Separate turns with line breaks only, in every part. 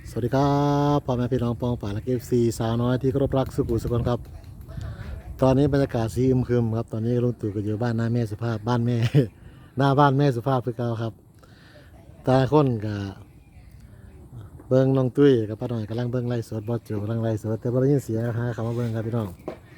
สวัสดีครับพ่อแม่พี่น้องปองป่าและเอฟซีสาวน้อยที่เคารพรักสุขุมสุขนครับตอนนี้บรรยากาศสีอึมครึมครับตอนนี้ลุงตู่ก็อยู่บ้านหน้าแม่สุภาพบ้านแม่ หน้าบ้านแม่สุภาพคือเก่าครับตาคนกับเบิ้งน้องตุ้ยกับป้าหน่อยกำลังเบิ้งไล่สดบอสโจกำลังไล่สดแต่บ่ได้ยินเสียงหาคำว่าเบิ้งครับพี่น้อง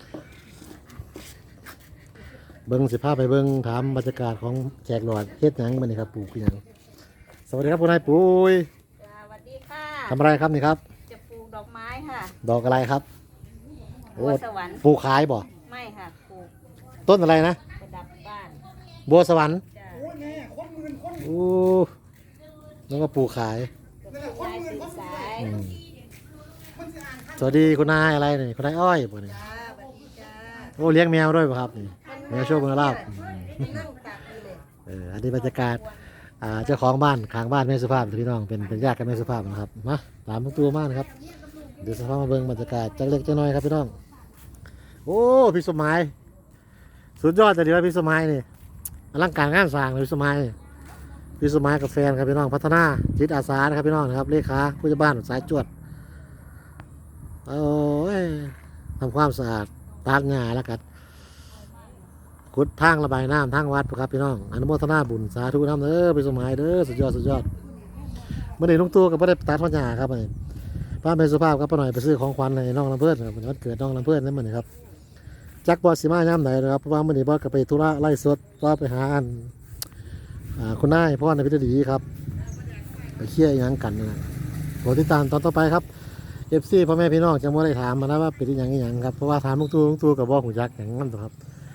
เบิ้งสิภาพไปเบิ้งถามบรรยากาศของแขกหลอดเฮ็ดหยังมื้อนี้ครับปลูกคือหยังสวัสดีครับคุณนายปุ้ย
สวัสดีค่ะ
ทำอะไรครับนี่ครับ
จะปลูกดอกไม้ค่ะ
ดอกอะไรครับ
บัวสวรรค์
ปลูกขายบ่
ไม่ค่ะปลูก
ต้นอะไรนะ
ประดับบ้าน
บัวสวรรค์
จ้ะ
โอ้แล้วก็ปลูกขาย
ปลูกลายสื่อสาย
อืมสวัสดีคุณนายอะไรนี่คุณนายอ้อยบ่นี่
จ้าสวัสดีจ้า
โอ้เลี้ยงแมวด้วยป่ะครับนี่แมวโชคเมืองลาบ
นั่งตักนี่เลย
อันนี้บรรยากาศเจ้าของบ้านข้างบ้านแม่สุภาพพี่น้องเป็นญาติกับแม่สุภาพนะครับมาตามตัวมากนะครับเดี๋ยวสภาพมาเบิ่งบรรยากาศจักเล็กจักน้อยครับพี่น้องโอ้พี่สมัยสุดยอดแต่เดียวพี่สมัยนี่อลังการงานสร้างเลยพี่สมัยนี่พี่สมัยกับแฟนครับพี่น้องพัฒนาจิตอาสานะครับพี่น้องนะครับเลขาผู้จัดบ้านสายจวดโอ้ยทำความสะอาดตากหญ้าแล้วกันขุดทางระบายน้ำทางวัดครับพี่น้องอนุโมทนาบุญสาธุน้ำเด้อพี่สมัยเด้อสุดยอดสุดยอดเมื่อนี้ลุงตู่กับพ่อได้ตัดพันหญ้าครับนี่ป้าเป็นสุภาพครับป้าหน่อยไปซื้อของขวัญให้น้องลำเพิ่นครับวันเกิดน้องลำเพิ่นนั่นเหมือนครับจักบอสสิมาย่ำไหนนะครับเพราะว่ามื่อนี้บอสก็ไปธุระไล่สดก็ไปหาอันคุณนายพ่อในพิธีดีครับไปเคี่ยยังกันนะโปรดติดตามตอนต่อไปครับเอฟซีพ่อแม่พี่น้องจะมาได้ถามมานะว่าเป็นยังไงครับเพราะว่าถามลุงตู่กับบอกหูจักอย่างนั้นตัวครับ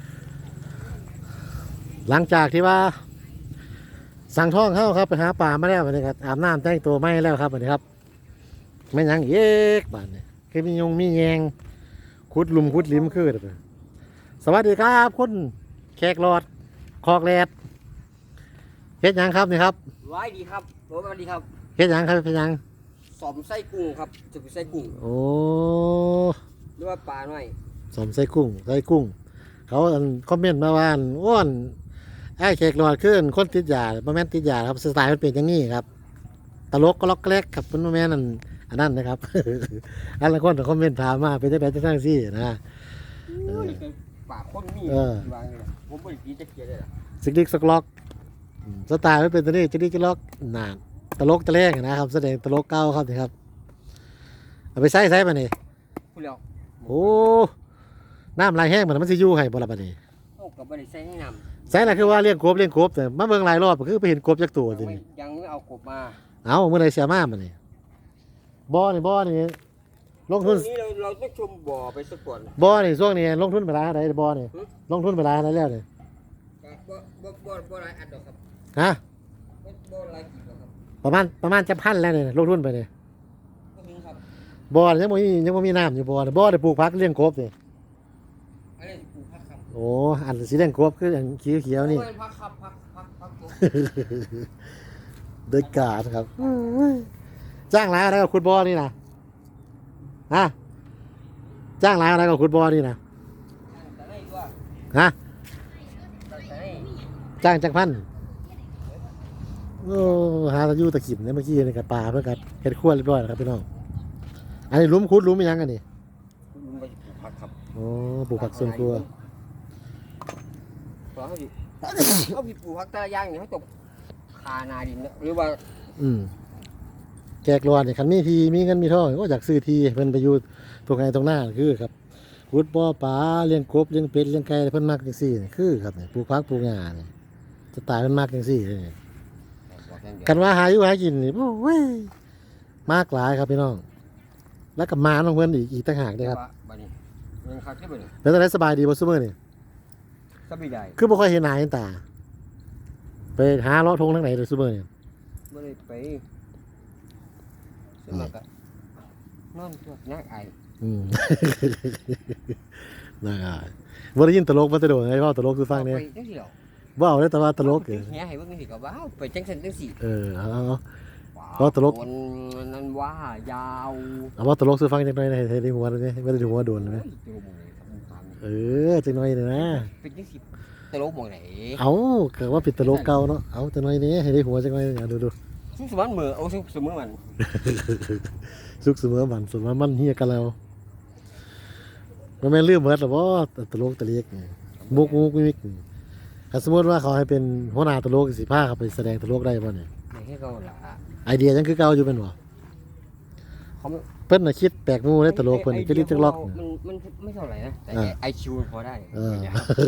หลังจากที่ว่าสั่งท่องเข้าครับไปหาป่ามาแล้ววันนี้ครับอาบน้ำแต่งตัวไม่แล้วครับวันนี้ครับไม่ยังเอ๊กบ้านเนี่ยคือมียงมีแยงขุดหลุมขุดลิ้มคือเด้อสวัสดีครับคุณแขกหลอดคอกแรดเฮ็ดหยังครับนี่ครับ
ไว้ดีครับสวัสดีครับ
เฮ็ดหยังครับเฮ็ดหยัง
สอมไส้กุ้งครับจะเป็นไส้กุ้ง
โอ้
หรือว่าปลาหน่อย
สมใส่กุ้งเขาคอมเมนต์มาว่าอ้วนไอ้แขกหลอดขึ้นคนติดยาบ่แม่นติดยาครับสไตล์มันเป็นอย่างนี้ครับตลกก็ล็อกแรกครับมันบ่แม่นอันนั้นนะครับ อันละคนคอมเมนต์ถามมาเป็นจังได๋จังซี่นะ
ปลาข้นมี
เออ
วางเลยนะผมไม่ได้กินจะเกลียดเลยล่ะ
สิกดิกสกล็อกสไตล์มันเป็นตัวนี้จิกดิกจิกล็อกนานตลกตะแลงนะครับแสดงตลกเก่าครับนี่ครับเอาไปใส่มานี่
พูดแล้ว
โอ้น้ำลายแห้งมันสิอยู่ให้บ่ล่ะบัดนี้
โอ้กับไม่ได้ใส่ให้น้
ใส่ล่ะคือว่าเลี้ยงกบแต่มาเบิ่งหลายรอบก็คือไปเห็นกบจักตัว
ำ
สิ
ยังไม่เอากบมา
เอามื้อใดเสียมาบัดนี้บ่นี่ลงทุน
นี้เราต้องชมบ่อไปสักก่อน
บ่นี่ช่วงนี้ลงทุนไปหลายเท่าใดบ่นี่ลงทุนไปหลายเท่าใดแล้วนี่
บ่หลายอันหรอกครับ
ฮะ
บ่หลายกี่หรอกครับ
ประมาณจะพันแล้วนี่ลงทุนไปนี่
ก็มีครับ
บ่นี่ยังบ่มีน้ำอยู่บ่นี่บ่ได้ปลูกผักเลี้ยงกบนี่
อันนี้ปลูกผักครับ
โอ้อันสีแดงกบคืออันเขียวๆนี่
โอ้ยผักครับผักผม
เด็กกาดครับจ้างหลายอะไรกับคุณบอนี่นะฮะจ้างหลายอะไรกับคุณบอนี่นะ
แต่ไหนว่า
ฮะ
แต่ไหน
จ้างจักพันโอ้หาตะยูตะขิมเนี่ยเมื่อกี้ในกระป่าเพื่อกัดเห็ดขั้วเรียบร้อยแล้วครับพี่น้องอันนี้ลุ้มคุดลุ้มยังกันนี่
ลุงไปปลูกผักครับ
โอ้ปลูกผักสวนครัว
เพราะเขาอยู่ เขามีปลูกผักแต่ละอย่างเนี่ยเขาตกคานาดินนะหรือว่า
แจกรอนเนี่ยคันมีทีมีเงินมีทองก็อยากซื้อทีเพิ่นไปอยู่ตรงไหนตรงหน้าคือครับขุดบ่อปลาเลี้ยงกบเลี้ยงเป็ดเลี้ยงไก่เพิ่นมักจังซี่นี่คือครับนี่ปลูกผักปลูกหญ้านี่จะตายเพิ่นมักจังซี่เลยนี่ กันว่าหาอยู่หากินนี่โอ้ยมากหลายครับพี่น้องแล้วกับมาน้องเพื่อนอีกต่างหากด้วยครับ
บัดนี้ยังคักที่บ่นี่
แล้วตอนนี้สบายดีบ่ซุมื้อนี่
สบายได้
คือบ่ค่อยเห็นหน้าเห็นตาไปหาเลาะทงทางไหนเลยซุมื้อนี่
บ่ได้ไปสมัครนอนตัวนักไอ
อืม น่าอายบ่ได้ยินตลกมาแต่โดนไงเว้าตลกคือฟังเนี่ย
ไปจังซี่เหรอ
เว้าได้แต่ว่าตลก
เฮียให้เบิ่งนี่ก็ว้าวไปจังซั่นจังซี่
เอา
ว้าว
ตลก
คนนั้นว่ายาว
เอาว่าตลกคือฟังจังหน่อยนะให้ได้หัวเลยไม่ได้หัวโดนเลย
โอ้ยตลกหมองไหนครับมึงถามนี่
จังหน่อยนี่นะ
เป็นจังซี่ตลกหมองไหน
เอาก็ว่าเป็นตลกเก่าเนาะเอาจังหน่อยนี้ให้ได้หัวจังหน่อยดู
ซุกสมันเหมือเอาซุกเสมอมัน
สุขเสมอมันมันเฮียกันแล้วมันแม่นลืมเบิดหรอบ่ตลกตะเลียกนี่มุกมิกนี่ถ้าสมมติว่าเขาให้เป็นหัวหน้าตลกสิพาเขาไปแสดงตลกได้บ่เนี่ย
ไม่ให้เขาละ
ไอเดียยังคือเก่าอยู่เป็นบ่
เขา
เพิ่นน่ะคิดแปลกหมู่ในตลกเพิ่นจะลิจักล็อก
มันไม่เท่าไหร่นะแต่ไอคิวพอได้
เออ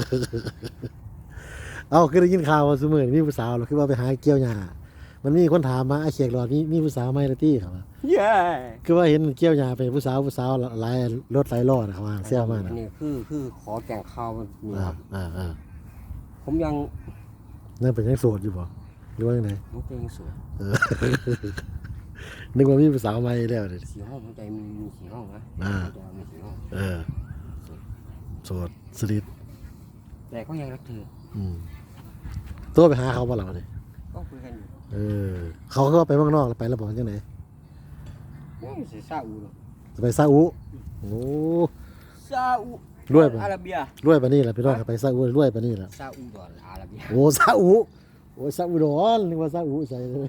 เอาคือได้ยินข่าวว่าซุมื้อนี้มีผู้สาวเหรอคือว่าไปหาเกี่ยวหญ้ามันมีคนถามมาไอ้เขียกหลอดมีผู้สาวไหมล่ะตี้ครับว่า
เย้
คือว่าเห็นเกี่ยวหญ้าไปผู้สาวหลายรถหลายล้อนะเขาว่าแซวมานะ
นี่คือขอแกงข้าวนี่ครับ ผมยัง
นั่นเป็นยังโสดอยู่บ่หรือว่าจังได
น้องเพลงสวย
เออ นึกว่ามีผู้สาวใหม่แล้วเด้
สีห้องหัวใจมีสีห้องนะ
อ่า
มีสีห้อง
เออโสดสนิท
แต่ก็ยังรักเธอ
ตัวไปหาเขาบ่ล่ะบัดนี้
ก็คุยกันอยู่
เออเขาก็ว่าไปเมืองนอกแล้วไปแล้วบ่จังได๋
ไม่เสียซาอุหรอก
จะไปซาอุโอ้
ซาอุ
รวยปะ
อาระเบีย
รวยปานนี้ล่ะพี่น้องไปซาอุรวยปานนี้ล่ะ
ซาอุดอนอาระเบีย
โอ้ซาอุโอ้ซาอุดอนนึกว่าซาอุใส่เลย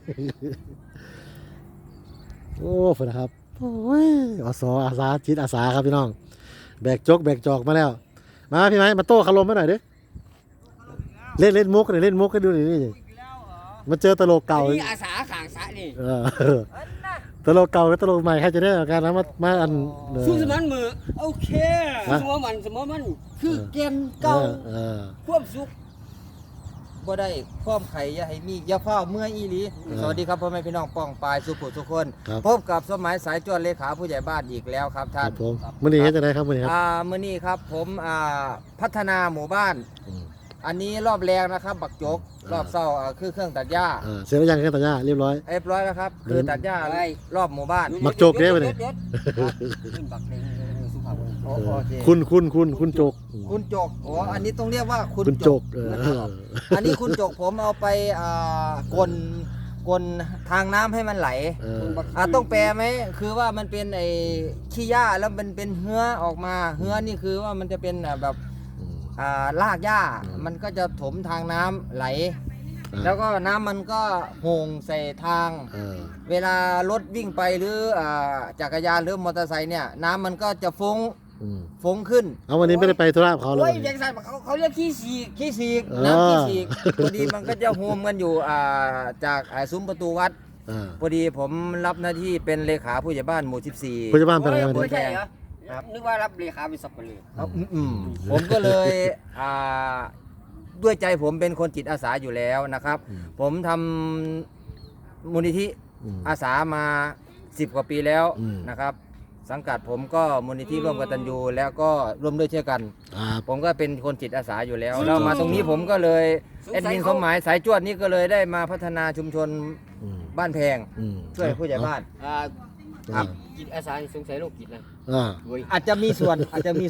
โอ้ฝนนะครับโอ้ยอาสาจิตอาสาครับพี่น้องแบกจอกมาแล้ว มาพี่ไม้มาโต้คารมมาหน่อยดิเล่นมุกเล่นมุกให้ดูหน่อยนี่มาเจอตลกเก่า
นี่อาสาขางสะนี่
เออตลกเก่ากับตลกใหม่ใครจะได้กันนะมาอัน
สู้สมันมือโอเคสมอมันคือเกมเก่า
ความสุขบ่ได้ความไข่อย่าให้มีอย่าเฝ้าเมื่อยอีหลีสวัสดีครับพ่อแม่พี่น้องป้องปายสุขุทุกคน พบกับสมัยสายจวนเลขาผู้ใหญ่บ้านอีกแล้วครับ
ค
ท่า
รั
น
บผมมื่อนี้เฮ็ดจะได้ครับมื่อนี้ครับ
มื้อนี้ครับผมพัฒนาหมู่บ้าน อันนี้รอบแรกนะครับ บักจกรอบเศร้าคือเครื่องตัดหญ้า
เสร็จแล้วยังแค่ตัดหญ้าเรียบร้อย
เรียบร้อยแล้วครับคือตัดหญ้ารอบหมู่บ้าน
บักโจกเด้อไปเลย
ขึ้นบักเพลงสุภาพ
โอเค
คุณโจก
คุณจกอ๋ออันนี้ต้องเรียกว่าคุณ
คุณ
จ
โจ
ก
ก
อันนี้คุณจกผมเอาไปกลทางน้ำให้มันไหล ต้องแปลไหมคือว่ามันเป็นไอ้ขี้หญ้าแล้วมันเป็นเหือออกมาเหือนี่คือว่ามันจะเป็นแบบรากหญ้ามันก็จะถมทางน้ำไหล แล้วก็น้ำมันก็โห่งใส่ทาง เวลารถวิ่งไปหรือจักรยานหรือมอเตอร์ไซค์เนี่ยน้ำมันก็จะฟุ้งขึ้น
เอาวันนี้ไม่ได้ไปธุระกับเขาเล
โอ้ย
ย
ยังใส่เขาเรียกขี้สีก
น้ำขี้ฉีกพอดีมันก็จะโฮมกันอยู่จากซุ้มประตูวัดพอดีผมรับหน้าที่เป็นเลขาผู้ใหญ่บ้านหมู่14
ผู้ใหญ่บ้านเป็นอะไรวัน
ไม่
นี้
ใช่เหรอนึกว่ารับเลขาเป็นสับปะเลอ
ผมก็เลยด้วยใจผมเป็นคนจิตอาสาอยู่แล้วนะครับ ผมทำมูลนิธิอาสามา10 กว่าปีแล้วนะครับ สังกัดผมก็มูลนิธิร่วมกตัญญูแล้วก็ร่วมด้วยช่วยกัน ผมก็เป็นคนจิตอาสาอยู่แล้วแล้วมาตรงนี้ผมก็เลยแอดมินสมหมายสายจวดนี่ก็เลยได้มาพัฒนาชุมชนบ้านแพงช่วยผู้ใหญ่บ้าน
ครับกิจอาสาสงสัยโรคกิจนะ
อาจจะมีส่วน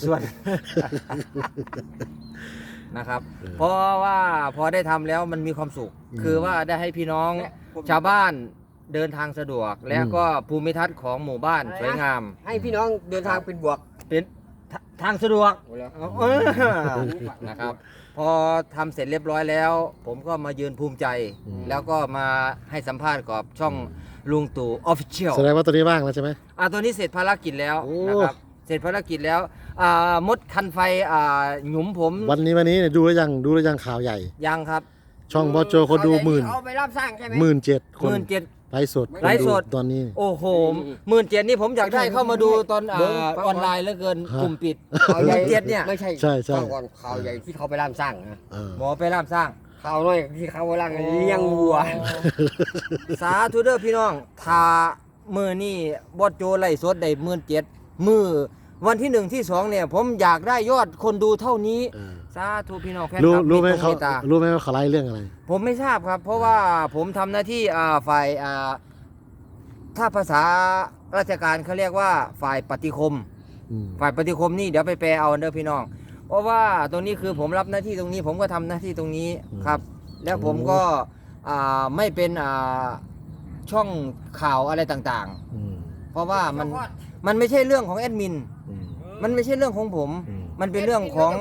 นะครับ เพราะว่าพอได้ทำแล้วมันมีความสุข คือว่าได้ให้พี่น้องชาวบ้านเดินทางสะดวก และก็ภูมิทัศน์ของหมู่บ้านสวยงาม
ให้พี่น้องเดินทางเป็นบวก
เป็นทางสะดวก
โอ้แล้ว
นะครับ พอทำเสร็จเรียบร้อยแล้ว ผมก็มายืนภูมิใจ แล้วก็มาให้สัมภาษณ์กับช่องลุงตู่ออฟฟิเชียล
แสดงว่าตัวนี้ว่างแล้วใช่ไหม
ตัวนี้เสร็จภารกิจแล้ว
โอ้
นะครับ เสร็จภารกิจแล้วมดคันไฟหยุมผม
วันนี้เนี่ยดูแล้วยังข่าวใหญ่
ยังครับ
ช่องบอโจคนดู
เอาไปรับสร้างใช่ไหม
17,000 คน
17,000
ไลฟ์สด
ไลฟ์สด
ตอนนี้
โอ้โห17,000นี่ผมอยากได้เข้ามาดูตอนออนไลน์เหลือเกินกลุ่มปิด
ข่าวใหญ่
17,000เนี่ย
ไม่ใช่
ใช่
ฟังก่อนข่าวใหญ่ที่เขาไปรับสร้างนะ
หมอไปร่ามสร้าง
ข่าวน้อยที่เขาไปรับเลี้ยงวัว
สาธุเด้อพี่น้องถ้ามือนี่บอสโจไล่สดได้17,000มือวันที่1ที่2เนี่ยผมอยากได้ยอดคนดูเท่านี้สาธุพี่น้องแฟนคลับ
รู้ไหม
ตรง
เขา
เมตตา
รู้ไหมว่าเขาไล่เรื่องอะไร
ผมไม่ทราบครับ เพราะว่าผมทำหน้าที่ฝ่ายถ้าภาษาราชการเขาเรียกว่าฝ่ายปฏิคม ฝ่ายปฏิคมนี่เดี๋ยวไปแปลเอาเด้อพี่น้อง เพราะว่าตรงนี้คือผมรับหน้าที่ตรงนี้ ผมก็ทำหน้าที่ตรงนี้ครับ แล้วผมก็ไม่เป็นช่องข่าวอะไรต่างๆ เพราะว่ามันไม่ใช่เรื่องของแอดมิน มันไม่ใช่เรื่องของผม มันเป็นเรื่องของ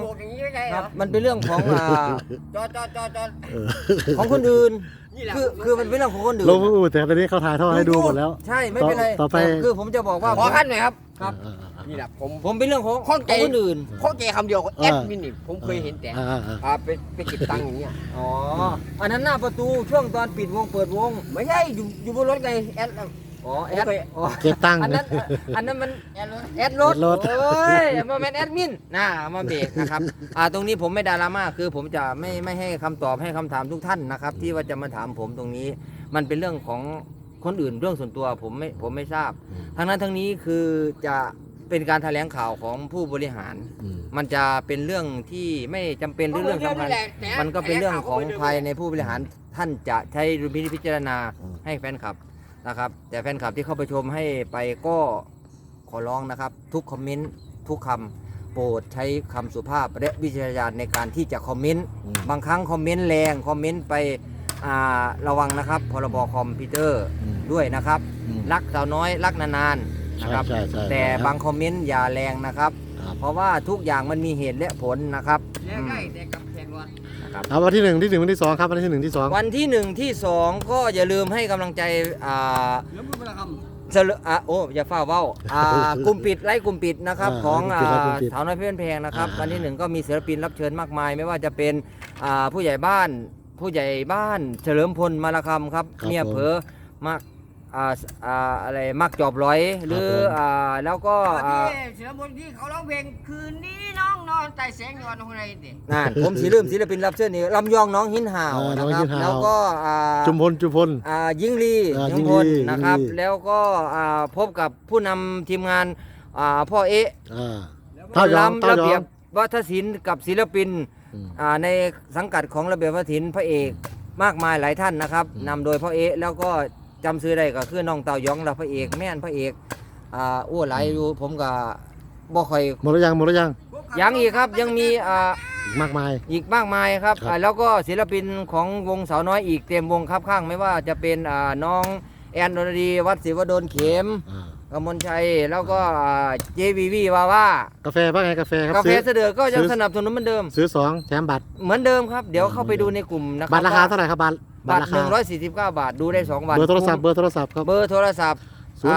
ไม่ใช่เห
ค
ร
รั
อบ
มันเป็นเรื่องของ
จอด
ของคนอื่น
นี่แหละ
คือมันเป็นเรื่องของคนอื่น
ลงอูแต่ตอนนี้เขาถ่ายทอดให้ดูหมดแล้ว
ใช่ไม่เป็นไร
ต่อไป
คือผมจะบอกว่า
ขอขั้นหน่อยครับ
ครับ
นี่แหละผม
ผมเป็นเรื่องของ
ข้องใจ
คนอื่น
ข้อแกคำเดียวแอดมินนี่ผมเคยเห็นแต่ไปเก็บตังค์อย่างเงี้ย
อ๋ออันนั้นหน้าประตูช่วงตอนปิดวงเปิดวง
ไม่ใช่อยู่บนรถไงแอด
อ๋อแอดอ๋อ
เก็บตังค์
อันนั้นมัน
แอดรถ
แอดรถ
แอดรถ
โอ้ยมาเป็นแอดมินนะมาเบรกนะครับตรงนี้ผมไม่ดราม่าคือผมจะไม่ให้คำตอบให้คำถามทุกท่านนะครับ ที่ว่าจะมาถามผมตรงนี้ มันเป็นเรื่องของคนอื่นเรื่องส่วนตัวผมไม่ทราบ ทั้งนั้นทั้งนี้คือจะเป็นการแถลงข่าวของผู้บริหาร มันจะเป็นเรื่องที่ไม่จำเป็นหรือเรื่องสำคัญมันก็เป็นเรื่องของภายในผู้บริหารท่านจะใช้ดุลพิจารณาให้แฟนคลับนะครับ แต่แฟนคลับที่เข้าไปชมให้ไปก็ขอร้องนะครับ ทุกคอมเมนต์ทุกคำโปรดใช้คำสุภาพและวิจารณญาณในการที่จะคอมเมนต์บางครั้งคอมเมนต์แรงคอมเมนต์ไประวังนะครับพรบคอมพิวเตอร์ด้วยนะครับ รักสาวน้อยรักนานๆนะครับ
ใช่ใช่
แต่บางคอมเมนต์อย่าแรงนะครับ
ครับ
เพราะว่าทุกอย่างมันมีเหตุและผลนะครับ
แล้วได้แต่กับแขกรถ
นะครับ
เอาวันที่หนึ่งที่วันที่สองครับวันที่หนึ่งที่สอง
วันที่ 1 ที่ 2 ก็อย่าลืมให้กำลังใจ
เหลือมือประค
โอ้อย่าเฝ้าเว้ากลุ่มปิดไล่กลุ่มปิดนะครับของสาวน้อยเพชรเพลงนะครับ วันที่ 1 ก็มีศิลปินรับเชิญมากมาย ไม่ว่าจะเป็นผู้ใหญ่บ้านเฉลิมพลมาละคำครับเมียเผลอมากอะไรมักจอบร้อยหรือแล้วก็
ที่เสือบนที่เขาร้องเพลงคืนนี้น้องนอนใต้แสงยอนคนไหนดิ
นั่นผมลืมศิลปินรับเชิญนี่ลำยองน้องหินห่าวนะครับแล้วก็
จุมพล
ยิงลี
ยิงลี
พลนะครับ
ยิงลี
แล้วก็พบกับผู้นำทีมงานพ่อเอ๊ะ
เท่ายอม
ลำระเบียบวัฒนศิลป์กับศิลปินในสังกัดของระเบียบวัฒนศิลป์พระเอกมากมายหลายท่านนะครับนำโดยพ่อเอ๊ะแล้วก็จำซื้อได้ก็คือน้องเต่ายองและพระเอกแม่นพระเอกหลายอยู่ผมก็บ่ค่อย
หมดแล้วยัง
ยังอีกครับยังมี
มากมาย
อีกมากมายครับ
ครับ
แล้วก็ศิลปินของวงสาวน้อยอีกเต็มวงครับข้างไม่ว่าจะเป็นน้องแอนดนดีวัดศิวดลเข็มกมลชัยแล้วก็เจวีวีวาว่าก
าแฟว่าไงกาแฟครับ
กาแฟเสด็จก็ยังสนับสนุนเหมือนเดิม
ซื้อ2แถมบัตร
เหมือนเดิมครับเดี๋ยวเข้าไปดูในกลุ่มนะครั
บัตรราคาเท่าไหร่ครับบัตร
บัตร
ราคา
149 บาทดูได้2 วัน
เบอร์โทรศัพท์ครับ
เบอร์โทรศัพท์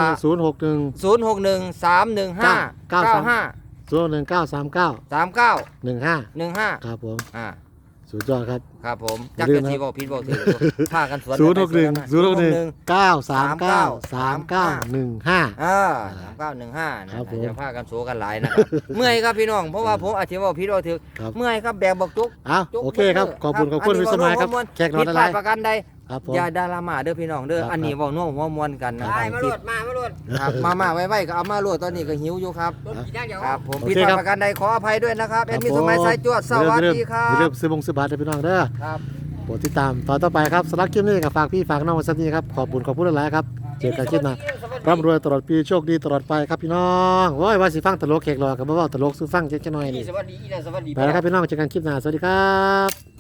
061
061 315 95
01939
39
15
15
ครับผม
อ่า
สุดยอดครับ
ครับผม
อย่า
จัก
ลื
ร
มนะ
ชีบอกพิษบอกถือผ้ากันสวน
061 939 3915
3915นะครับ
ผม
จะผ้ากันโสกันหลายนะครับ เมื่อยครับพี่น้องเพราะว่าผมอาจจะบอกพิษบอกถือ
ครับ
เมื่อยครับแบกบอกจุก
เอาโอเคครับขอบคุณวิสมัยครับแขกนอน
ผิด
อะไร
พลาดประกันใด
ครับผม
อย่าดารามาเด้อพี่น้องเด้อ
ครับ
อันนี้เว้าน่วหัวมวนกันนะค
ได้
รับ
มาโหลดมาโหลด
ครับมาไว้ก็เอามาโหลดตอนนี้ก็หิวอยู่ครับ
รถกี่ด้านเดียว
ครับผม
โอ
ผิด
เค
พลา
ครั
ด
บ
ประกันใดขออภัยด้วยนะครับแอดมินสมัยสายจวดสวัสดีครั
อย่าลื
บ
มซื้อบัตรให้พี่น้องเด้อ
ครับ
โปรดติดตามตอนต่อไปครับสำหรับคลิปนี้กับฝากพี่ฝากน้องไว้สักนี้ครับขอบคุณหลายๆครับเจอกันคลิปหน้าร่ำรวยตลอดปีโชคดีตลอดไปครับพี่น้องโอ้ยว่าสิฟังตลกแขกรอกับบ่เว้าตลกซื้อฟังเจ๊กหน่อยนี่
สวัสดีนะสวัสดี
ไปแล้วครับพี่น้องเจอกันคลิปหน้าสวัสดีครับ